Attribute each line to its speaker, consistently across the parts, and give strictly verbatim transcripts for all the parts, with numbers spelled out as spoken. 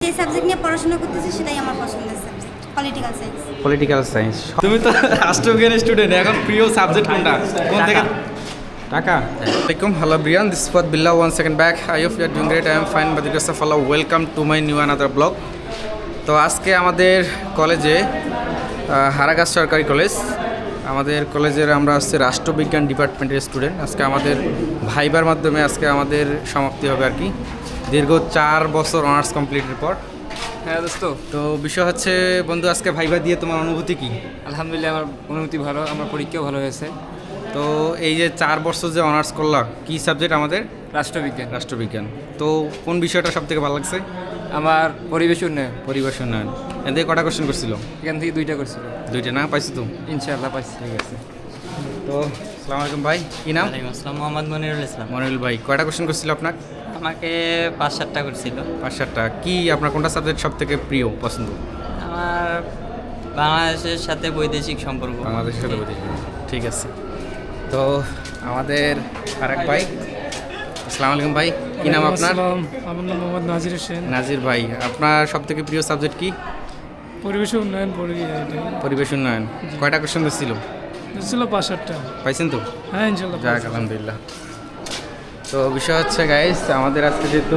Speaker 1: যে সাবজেক্ট নিয়ে পড়াশোনা করতেছি সেটাই আমার পছন্দের subject, political science.
Speaker 2: Political science.
Speaker 3: তুমি তো রাষ্ট্রবিজ্ঞানের স্টুডেন্ট, এখন প্রিয় সাবজেক্ট কোনটা? কোন থেকে?
Speaker 2: টাকা।
Speaker 3: Assalamualaikum, hello everyone. This is Fuad Billah one second back. I hope you are doing great. I am fine by the grace of Allah. Welcome to my new another blog. তো আজকে আমাদের কলেজে হারাগাছ সরকারি college, আমাদের কলেজের আমরা হচ্ছে রাষ্ট্রবিজ্ঞান ডিপার্টমেন্টের স্টুডেন্ট। আজকে আমাদের ভাইবার মাধ্যমে আজকে আমাদের সমাপ্তি হবে আর কি, দীর্ঘ চার বছর অনার্স কমপ্লিটের পর।
Speaker 4: হ্যাঁ দোস্ত,
Speaker 3: তো বিষয় হচ্ছে বন্ধু, আজকে ভাইবা দিয়ে তোমার অনুভূতি কি?
Speaker 4: আলহামদুলিল্লাহ আমার অনুভূতি ভালো, আমার পরীক্ষাও ভালো হয়েছে।
Speaker 3: তো এই যে চার বছর যে অনার্স করলাম, কি সাবজেক্ট আমাদের?
Speaker 4: রাষ্ট্রবিজ্ঞান।
Speaker 3: রাষ্ট্রবিজ্ঞান। তো কোন বিষয়টা সব থেকে ভালো লাগছে?
Speaker 4: আমার পরিবেশ উন্নয়ন।
Speaker 3: পরিবেশ উন্নয়ন। এদের কটা কোশ্চেন করছিল?
Speaker 4: এখান থেকে দুইটা করছিল।
Speaker 3: দুইটা না পাইছো তো?
Speaker 4: ইনশাআল্লাহ পাইছি।
Speaker 3: ঠিক আছে। তো আসসালামু আলাইকুম ভাই, কি নাম?
Speaker 5: আসসালাম, মোহাম্মদ মনিরুল ইসলাম।
Speaker 3: মনিরুল ভাই, কয়টা কোশ্চেন করছিল আপনার?
Speaker 5: আমাকে পাঁচ সাতটা করছিল।
Speaker 3: পাঁচ সাতটা। কি আপনার কোনটা সাবজেক্ট সব থেকে প্রিয় পছন্দ?
Speaker 5: আমার বাংলাদেশের সাথে বৈদেশিক সম্পর্ক।
Speaker 3: বাংলাদেশের সাথে বৈদেশিক। ঠিক আছে। তো আমাদের আরেক ভাই, আসসালামু আলাইকুম ভাই, কি নাম আপনার?
Speaker 6: আমার নাম মোহাম্মদ নাজির হোসেন।
Speaker 3: নাজির ভাই, আপনার সব থেকে প্রিয় সাবজেক্ট কি?
Speaker 6: পরিবেশ উন্নয়ন পড়ি।
Speaker 3: পরিবেশ উন্নয়ন। কয়টা কোশ্চেন ছিল?
Speaker 6: ছিল পাঁচ সাতটা।
Speaker 3: পাইছেন তো?
Speaker 6: হ্যাঁ ইনশাল্লাহ।
Speaker 3: যাক আলহামদুলিল্লাহ। তো বিষয় হচ্ছে গাইস, আমাদের আজকে যেহেতু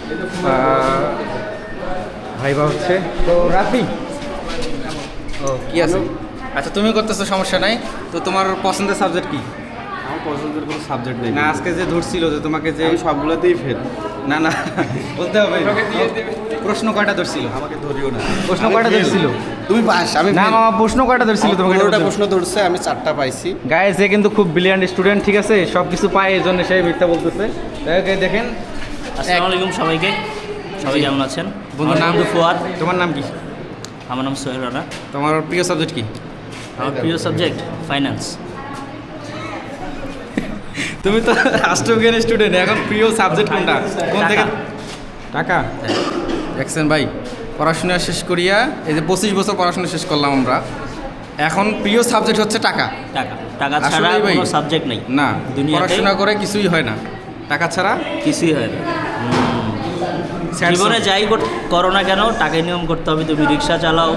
Speaker 3: ভাইবা হচ্ছে, তো রাফি ও কি আছে? আচ্ছা তুমি করতেছো, সমস্যা নাই। তো তোমার পছন্দের সাবজেক্ট কি?
Speaker 7: আমার পছন্দের কোনো সাবজেক্ট নেই
Speaker 3: না আজকে যে ধরছিল যে তোমাকে যে
Speaker 7: আমি সবগুলোতেই ফেল।
Speaker 3: না না বলতে হবে। প্রশ্ন কয়টা ধরছিল?
Speaker 7: আমাকে ধরিও না।
Speaker 3: প্রশ্ন কয়টা ধরছিল?
Speaker 7: তুমি পাস, আমি
Speaker 3: না মামা, প্রশ্ন কয়টা ধরছিল তোমাকে?
Speaker 7: পনেরোটা প্রশ্ন ধরছে, আমি চারটা পাইছি।
Speaker 3: গায়ে যে কিন্তু খুব ব্রিলিয়ান্ট স্টুডেন্ট, ঠিক আছে, সব কিছু পায়, এই জন্য সে মিথ্যা বলতেছে। তাকে দেখেন।
Speaker 5: আসসালামু আলাইকুম সবাইকে, সবাই কেমন আছেন?
Speaker 3: বন্ধুর নাম?
Speaker 5: ফুয়াদ।
Speaker 3: তোমার নাম কি?
Speaker 5: আমার নাম সোহেল রানা।
Speaker 3: তোমার প্রিয় সাবজেক্ট কি?
Speaker 5: আমার প্রিয় সাবজেক্ট ফাইন্যান্স।
Speaker 3: তুমি তো রাষ্ট্রবিজ্ঞানের স্টুডেন্ট, এখন প্রিয় সাবজেক্ট কোনটা? কোন থেকে? টাকা। দেখছেন ভাই, পড়াশোনা শেষ করিয়া এই যে পঁচিশ বছর পড়াশোনা শেষ করলাম আমরা, এখন প্রিয় সাবজেক্ট হচ্ছে টাকা।
Speaker 5: টাকা টাকা ছাড়া
Speaker 3: আসলেই ভাই
Speaker 5: কোনো সাবজেক্ট নেই
Speaker 3: না,
Speaker 5: দুনিয়াতে।
Speaker 3: পড়াশোনা করে কিছুই হয় না, টাকা ছাড়া
Speaker 5: কিছুই হয় না।
Speaker 3: Sad
Speaker 5: জীবনে
Speaker 3: song.
Speaker 5: যাই কর- করো না কেন, টাকায় নিয়ম করতে হবে। তুমি রিক্সা চালাও,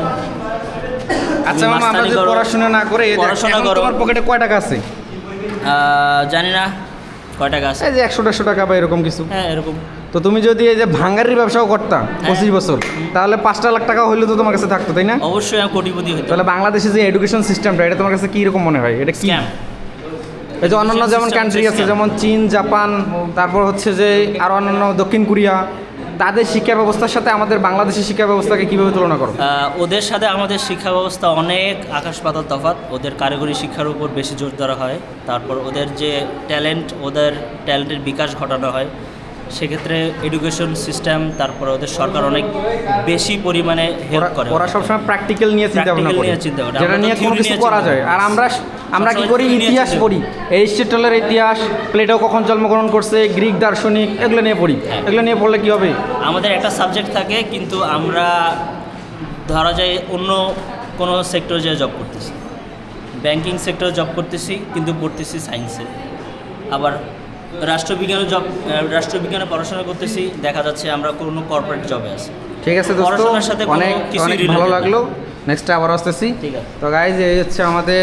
Speaker 3: আচ্ছা
Speaker 5: তুমি
Speaker 3: মামা, আমরা
Speaker 5: মাস্তানি
Speaker 3: যদি
Speaker 5: করো,
Speaker 3: পড়াশোনা না করে এই দেখ,
Speaker 5: পড়াশোনা
Speaker 3: এখন
Speaker 5: করো।
Speaker 3: তোমার পকেটে কয় টাকা আছে?
Speaker 5: আহ, জানি না কয় টাকা আছে।
Speaker 3: এই যে একশো দেড়শো টাকা বা এরকম কিছু।
Speaker 5: হ্যাঁ এরকম।
Speaker 3: তো তুমি যদি এই যে ভাঙ্গারির ব্যবসাও করতা
Speaker 5: হ্যাঁ।
Speaker 3: পঁচিশ বছর, তাহলে পাঁচটা লাখ টাকা হইলে তো তোমার কাছে থাকতো, তাই না?
Speaker 5: অবশ্যই আমি কোটিপতি হইতে।
Speaker 3: তাহলে বাংলাদেশে যে এডুকেশন সিস্টেমটা, এটা তোমার কাছে কি রকম মনে হয়? এটা কি?
Speaker 5: স্ক্যাম।
Speaker 3: এই যে অন্যান্য যেমন
Speaker 5: Education
Speaker 3: কান্ট্রি আছে,
Speaker 5: system.
Speaker 3: যেমন চীন, জাপান, তারপর হচ্ছে যে আর অন্যান্য দক্ষিণ কোরিয়া, তাদের শিক্ষা ব্যবস্থার সাথে আমাদের বাংলাদেশের শিক্ষা ব্যবস্থাকে কিভাবে তুলনা করো?
Speaker 5: আহ, ওদের সাথে আমাদের শিক্ষা ব্যবস্থা অনেক আকাশ পাতাল তফাৎ। ওদের কারিগরি শিক্ষার উপর বেশি জোর দেওয়া হয়, তারপর ওদের যে ট্যালেন্ট, ওদের ট্যালেন্টের বিকাশ ঘটানো হয়। সেক্ষেত্রে এডুকেশন সিস্টেম, তারপর ওদের সরকার অনেক বেশি পরিমাণে হেল্প
Speaker 3: ওরা-
Speaker 5: করে।
Speaker 3: ওরা সবসময় প্র্যাকটিক্যাল নিয়ে চিন্তা ভাবনা
Speaker 5: Practical
Speaker 3: করে,
Speaker 5: নিয়ে চিন্তা করে।
Speaker 3: যেটা
Speaker 5: আমরা তো
Speaker 3: নিয়ে কোনো
Speaker 5: theory
Speaker 3: কিছু
Speaker 5: নিয়ে
Speaker 3: করা
Speaker 5: চিন্তা
Speaker 3: যায়।
Speaker 5: করি।
Speaker 3: আর আমরা আমরা কি
Speaker 5: সবসময়
Speaker 3: করি?
Speaker 5: theory নিয়ে
Speaker 3: ইতিহাস
Speaker 5: চিন্তা
Speaker 3: পড়ি, এরিস্টটলের ইতিহাস, প্লেটো কখন জন্মগ্রহণ করছে, গ্রিক দার্শনিক, এগুলো নিয়ে পড়ি।
Speaker 5: হ্যাঁ।
Speaker 3: এগুলো নিয়ে পড়লে কি হবে?
Speaker 5: আমাদের একটা সাবজেক্ট থাকে, কিন্তু আমরা ধরা যায় অন্য কোনো সেক্টরে যে জব করতেছি, ব্যাংকিং সেক্টরে জব করতেছি, কিন্তু পড়তেছি সায়েন্সে। আবার রাষ্ট্রবিজ্ঞানে জব রাষ্ট্রবিজ্ঞানে পড়াশোনা করতেছি, দেখা যাচ্ছে আমরা কোনো কর্পোরেট জবে আছি।
Speaker 3: ঠিক আছে দোস্ত,
Speaker 5: পড়াশোনার সাথে কোনো
Speaker 3: অনেক
Speaker 5: কিছুই
Speaker 3: অনেক
Speaker 5: related
Speaker 3: ভালো
Speaker 5: না।
Speaker 3: লাগলো। নেক্সট আবার আসতেছি।
Speaker 5: ঠিক আছে।
Speaker 3: তো গাইজ, এই হচ্ছে আমাদের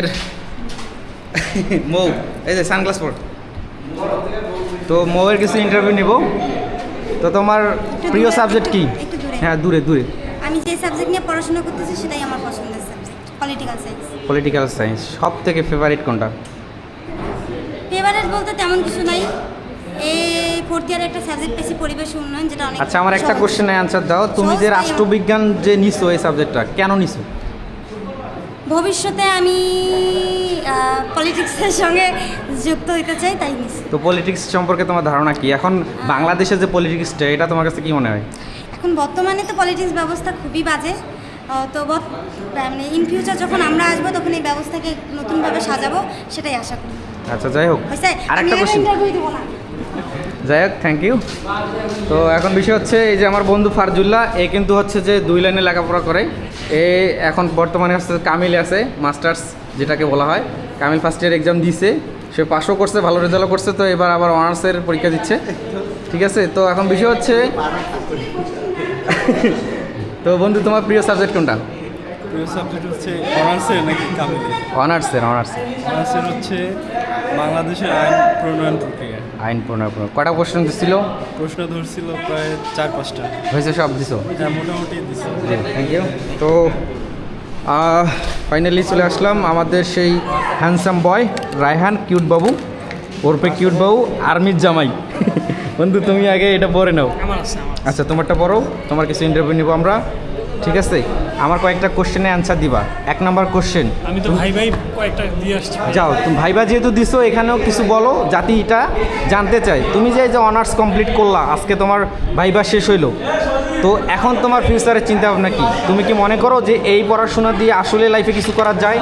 Speaker 3: মৌ, এই যে সানগ্লাস পর। তো মৌয়ের কিছু ইন্টারভিউ নিব। তো তোমার প্রিয় সাবজেক্ট কি?
Speaker 1: একটু দূরে।
Speaker 3: হ্যাঁ দূরে দূরে।
Speaker 1: আমি যে সাবজেক্ট নিয়ে পড়াশোনা করতেছি সেটাই আমার পছন্দের subject, political science.
Speaker 3: Political science. সব থেকে ফেভারিট কোনটা?
Speaker 1: ফেভারিট বলতে তেমন কিছু নাই। এই ফোর্থ ইয়ারে একটা সাবজেক্ট পেয়েছি পরিবেশ উন্নয়ন, যেটা অনেক
Speaker 3: আচ্ছা, আমার একটা
Speaker 1: সহজ।
Speaker 3: কোশ্চেনের অ্যান্সার দাও। তুমি যে
Speaker 1: সহজ তাই আমার-
Speaker 3: রাষ্ট্রবিজ্ঞান যে নিছো, এই সাবজেক্টটা কেন নিছো?
Speaker 1: ভবিষ্যতে আমি পলিটিক্সের সঙ্গে যুক্ত হতে চাই, তাই নিছি।
Speaker 3: তো পলিটিক্স সম্পর্কে তোমার ধারণা কি? এখন বাংলাদেশের যে পলিটিক্সটা, এটা তোমার কাছে কি মনে হয়?
Speaker 1: এখন বর্তমানে তো পলিটিক্স ব্যবস্থা খুবই বাজে। আহ, তো বত- মানে ইন ফিউচার যখন আমরা আসবো, তখন এই ব্যবস্থাকে নতুনভাবে সাজাবো, সেটাই আশা করি।
Speaker 3: আচ্ছা যাই হোক,
Speaker 1: হয়েছে?
Speaker 3: আরেকটা
Speaker 1: আমি আর
Speaker 3: কোশ্চেন।
Speaker 1: interview দেবো না।
Speaker 3: যাই হোক, থ্যাংক ইউ। তো এখন বিষয় হচ্ছে, এই যে আমার বন্ধু ফারজুল্লাহ, এ কিন্তু হচ্ছে যে দুই লাইনে লেখাপড়া করে। এ এখন বর্তমানে হচ্ছে কামিল আছে, মাস্টার্স যেটাকে বলা হয়। কামিল ফার্স্ট ইয়ার এক্সাম দিছে, সে পাসও করছে, ভালো রেজাল্টও করছে। তো এবার আবার অনার্সের পরীক্ষা দিচ্ছে, ঠিক আছে। তো এখন বিষয় হচ্ছে তো বন্ধু তোমার প্রিয় সাবজেক্ট কোনটা?
Speaker 8: প্রিয় সাবজেক্ট হচ্ছে অনার্সের নাকি কামিলে?
Speaker 3: অনার্সের অনার্সের
Speaker 8: অনার্সের হচ্ছে বাংলাদেশের আইন প্রণয়ন প্রক্রিয়া।
Speaker 3: আইন প্রণয় প্রণয় কটা কোশ্চেন দিছিল?
Speaker 8: প্রশ্ন ধরছিল প্রায় চার পাঁচটা।
Speaker 3: হয়েছে সব দিছো?
Speaker 8: হ্যাঁ, মোটামুটি দিচ্ছে।
Speaker 3: Thank you. তো ফাইনালি চলে আসলাম আমাদের সেই হ্যান্ডসাম বয় রায়হান কিউট বাবু, ওরপে কিউট বাবু আর্মির জামাই। বন্ধু তুমি আগে এটা পরে নাও। আচ্ছা তোমারটা পড়ো, তোমার কিছু ইন্টারভিউ নিব আমরা, ঠিক আছে? আমার কয়েকটা কোশ্চেনে অ্যান্সার দিবা। এক নাম্বার কোশ্চেন,
Speaker 6: আমি তো ভাই ভাই কয়েকটা দিয়ে আসছি।
Speaker 3: যাও তুমি ভাইবা যেহেতু দিছো এখানেও কিছু বলো, জাতি এটা জানতে চাই। তুমি যে যে অনার্স কমপ্লিট করলা, আজকে তোমার ভাইবা শেষ হইলো, তো এখন তোমার ফিউচারের চিন্তা ভাবনা কি? তুমি কি মনে করো যে এই পড়াশোনা দিয়ে আসলে লাইফে কিছু করা যায়?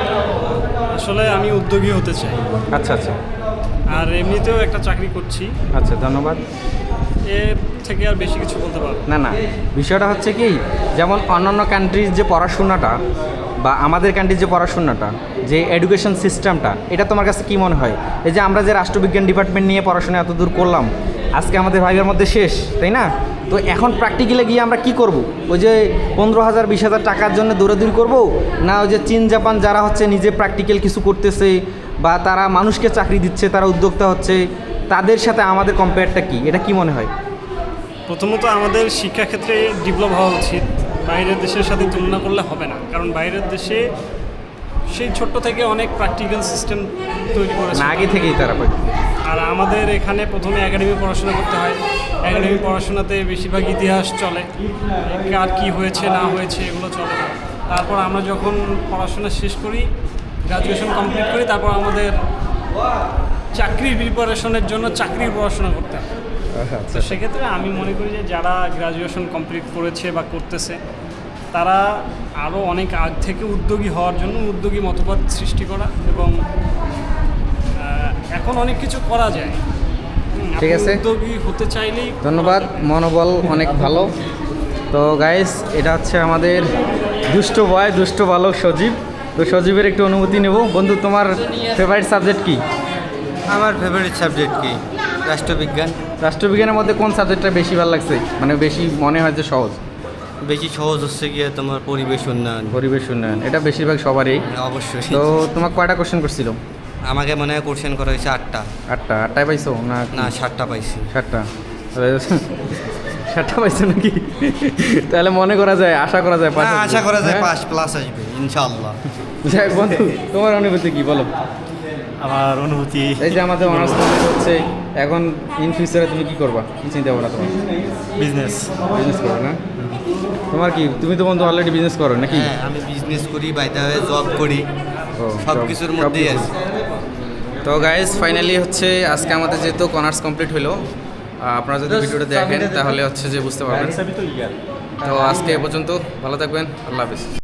Speaker 6: আসলে আমি উদ্যোগী হতে চাই,
Speaker 3: আচ্ছা আচ্ছা
Speaker 6: আর এমনিতেও একটা চাকরি করছি,
Speaker 3: আচ্ছা ধন্যবাদ।
Speaker 6: এর থেকে আর বেশি কিছু বলতে পারবো না।
Speaker 3: না না, বিষয়টা হচ্ছে কি, যেমন অন্যান্য কান্ট্রির যে পড়াশোনাটা বা আমাদের কান্ট্রির যে পড়াশোনাটা, যে এডুকেশন সিস্টেমটা, এটা তোমার কাছে কি মনে হয়? এই যে আমরা যে রাষ্ট্রবিজ্ঞান ডিপার্টমেন্ট নিয়ে পড়াশোনা এত দূর করলাম, আজকে আমাদের ভাইবের মধ্যে শেষ, তাই না? তো এখন প্র্যাকটিক্যালে গিয়ে আমরা কি করব? ওই যে পনেরো হাজার বিশ হাজার টাকার জন্য দৌড়াদৌড়ি করব, না ওই যে চীন জাপান যারা হচ্ছে নিজে প্র্যাকটিক্যাল কিছু করতেছে বা তারা মানুষকে চাকরি দিচ্ছে, তারা উদ্যোক্তা হচ্ছে, তাদের সাথে আমাদের কম্পেয়ারটা কি? এটা কি মনে হয়?
Speaker 6: প্রথমত আমাদের শিক্ষাক্ষেত্রে ডেভেলপ হওয়া উচিত, বাইরের দেশের সাথে তুলনা করলে হবে না, কারণ বাইরের দেশে সেই ছোট্ট থেকে অনেক প্র্যাকটিক্যাল সিস্টেম তৈরি করেছে,
Speaker 3: না আগে থেকেই তারা পায়।
Speaker 6: আর আমাদের এখানে প্রথমে একাডেমি পড়াশোনা করতে হয়। একাডেমি পড়াশোনাতে বেশিরভাগ ইতিহাস চলে, কার কী হয়েছে না হয়েছে এগুলো চলে। তারপর আমরা যখন পড়াশোনা শেষ করি, গ্রাজুয়েশন কমপ্লিট করি, তারপর আমাদের চাকরির প্রিপারেশনের জন্য চাকরির পড়াশোনা করতে হয়। তো সেক্ষেত্রে আমি মনে করি যে যারা গ্রাজুয়েশন কমপ্লিট করেছে বা করতেছে, তারা আরও অনেক আগ থেকে উদ্যোগী হওয়ার জন্য উদ্যোগী মতবাদ সৃষ্টি করা, এবং আহ, এখন অনেক কিছু করা যায়। হুম,
Speaker 3: ঠিক
Speaker 6: আপনি
Speaker 3: আছে।
Speaker 6: উদ্যোগী হতে চাইলেই
Speaker 3: ধন্যবাদ, মনোবল অনেক ভালো। তো গাইস, এটা হচ্ছে আমাদের দুষ্ট বয়, দুষ্ট বালক সজীব। তো সজীবের একটু অনুমতি নেব। বন্ধু তোমার ফেভারিট সাবজেক্ট কি?
Speaker 7: আমার ফেভারিট সাবজেক্ট কি? রাষ্ট্রবিজ্ঞান।
Speaker 3: রাষ্ট্রবিজ্ঞানের মধ্যে কোন সাবজেক্টটা বেশি ভালো লাগছে, মানে বেশি মনে হয় যে সহজ?
Speaker 7: বেশি সহজ হচ্ছে গিয়ে তোমার পরিবেশ উন্নয়ন।
Speaker 3: পরিবেশ উন্নয়ন, এটা বেশিরভাগ সবারই।
Speaker 7: অবশ্যই।
Speaker 3: তো তোমার কয়টা কোশ্চেন করছিল?
Speaker 7: আমাকে মনে হয় কোশ্চেন করা হয়েছে আটটা।
Speaker 3: আটটা? আটটায় পাইছো না?
Speaker 7: না, সাতটা পাইছি।
Speaker 3: সাতটা? সাতটা পাইছো নাকি? তাহলে মনে করা যায়, আশা করা যায় পাস
Speaker 7: না,
Speaker 3: আসবে।
Speaker 7: আশা করা যায়
Speaker 3: হ্যাঁ?
Speaker 7: পাস প্লাস আসবে ইনশাআল্লাহ।
Speaker 3: যাই হোক বন্ধু, তোমার অনুভূতি কি বলো?
Speaker 7: আমার অনুভূতি,
Speaker 3: এই যে আমাদের অনার্স কমপ্লিট হচ্ছে, এখন ইন ফিউচারে তুমি কি করবা, কি চিন্তা ভাবনা তোমার?
Speaker 7: বিজনেস।
Speaker 3: বিজনেস করো না? তোমার কি, তুমি তো বন্ধু অলরেডি বিজনেস করো নাকি?
Speaker 7: হ্যাঁ, আমি বিজনেস করি, বাইরে জব করি,
Speaker 3: ও,
Speaker 7: সব
Speaker 3: সব-
Speaker 7: কিছুর
Speaker 3: সব
Speaker 7: মধ্যেই
Speaker 3: কিছু।
Speaker 7: আছে।
Speaker 3: তো গাইজ, ফাইনালি হচ্ছে আজকে আমাদের যেহেতু অনার্স কমপ্লিট হলো, আপনারা যদি ভিডিওটা দেখেন তাহলে হচ্ছে যে বুঝতে পারবেন। তো আজকে এ পর্যন্ত, ভালো থাকবেন, আল্লাহ হাফিজ।